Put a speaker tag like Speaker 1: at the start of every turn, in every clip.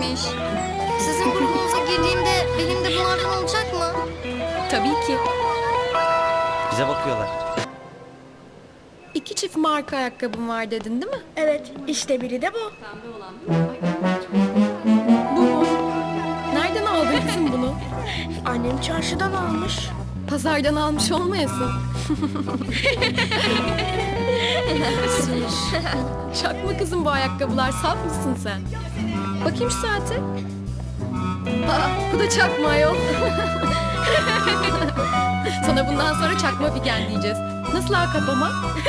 Speaker 1: güzelmiş. Sizin grubunuza girdiğimde benim de bunlardan olacak mı?
Speaker 2: Tabii ki.
Speaker 3: Bize bakıyorlar.
Speaker 2: 2 çift marka ayakkabım var dedin değil mi?
Speaker 4: Evet, işte biri de bu.
Speaker 2: Bu mu? Nereden aldın kızım bunu?
Speaker 4: Annem çarşıdan almış.
Speaker 2: Pazardan almış olmayasın. Çakma kızım bu ayakkabılar, saf mısın sen? Bakayım şu saate. Aa, bu da çakma ayol. Sana bundan sonra çakma figen diyeceğiz. Nasıl akabama?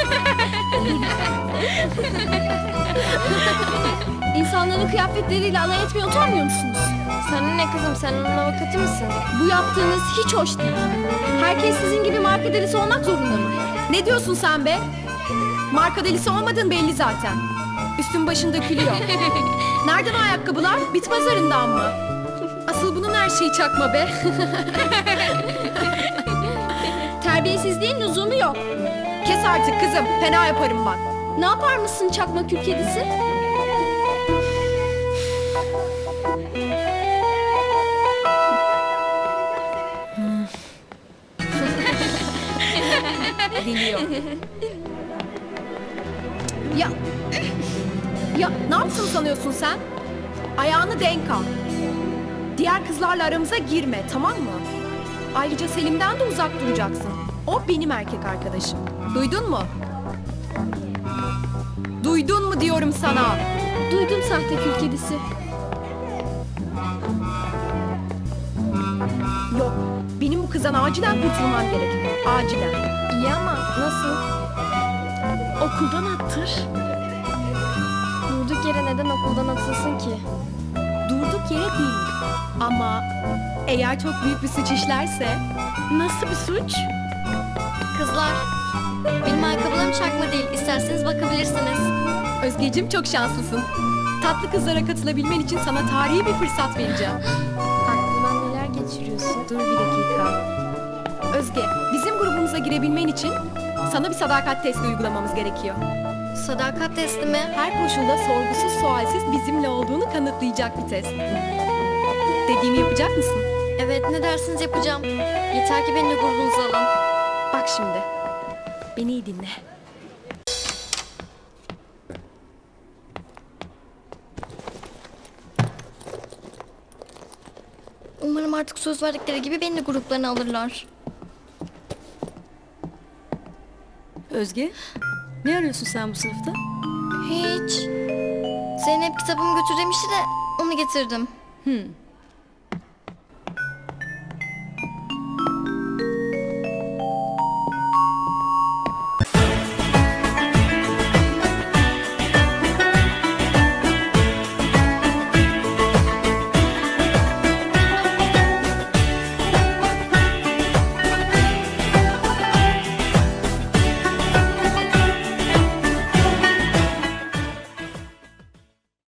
Speaker 5: İnsanların kıyafetleriyle alay etmeye utanmıyor musunuz?
Speaker 1: Sen ne kızım, sen onun avukatı mısın?
Speaker 5: Bu yaptığınız hiç hoş değil. Herkes sizin gibi marka delisi olmak zorunda mı?
Speaker 2: Ne diyorsun sen be? Marka delisi olmadın belli zaten. Üstün başın dökülüyor. Nereden o ayakkabılar? Bit pazarından mı? Asıl bunun her şeyi çakma be.
Speaker 5: Terbiyesizliğin lüzumu yok.
Speaker 2: Kes artık kızım, fena yaparım bak.
Speaker 5: Ne yapar mısın çakma kül kedisi?
Speaker 2: Geliyor. Ya, ya ne yapsın sanıyorsun sen? Ayağını denk al. Diğer kızlarla aramıza girme, tamam mı? Ayrıca Selim'den de uzak duracaksın. O benim erkek arkadaşım. Duydun mu? Duydun mu diyorum sana?
Speaker 5: Duydum sahte kül kedisi.
Speaker 2: Yok, benim bu kızdan acilen kurtulmam gerek. Acilen.
Speaker 1: İyi ama nasıl?
Speaker 4: Okuldan attır.
Speaker 1: Durduk yere neden okuldan atılsın ki?
Speaker 2: Durduk yere değil. Ama eğer çok büyük bir suç işlerse...
Speaker 4: Nasıl bir suç?
Speaker 1: Kızlar, benim ayakkabılarım çakma değil. İsterseniz bakabilirsiniz.
Speaker 2: Özgeciğim çok şanslısın. Tatlı kızlara katılabilmen için sana tarihi bir fırsat vereceğim.
Speaker 1: Aklından neler geçiriyorsun?
Speaker 2: Dur bir dakika. Özge, bizim grubumuza girebilmen için sana bir sadakat testi uygulamamız gerekiyor.
Speaker 1: Sadakat testi mi?
Speaker 2: Her koşulda sorgusuz sualsiz bizimle olduğunu kanıtlayacak bir test. Dediğimi yapacak mısın?
Speaker 1: Evet, ne dersiniz yapacağım. Yeter ki beni de grubunuza alın.
Speaker 2: Bak şimdi. Beni iyi dinle.
Speaker 1: Umarım artık söz verdikleri gibi beni de gruplarına alırlar.
Speaker 5: Özge, ne arıyorsun sen bu sınıfta?
Speaker 1: Hiç. Zeynep kitabımı götür demişti de onu getirdim.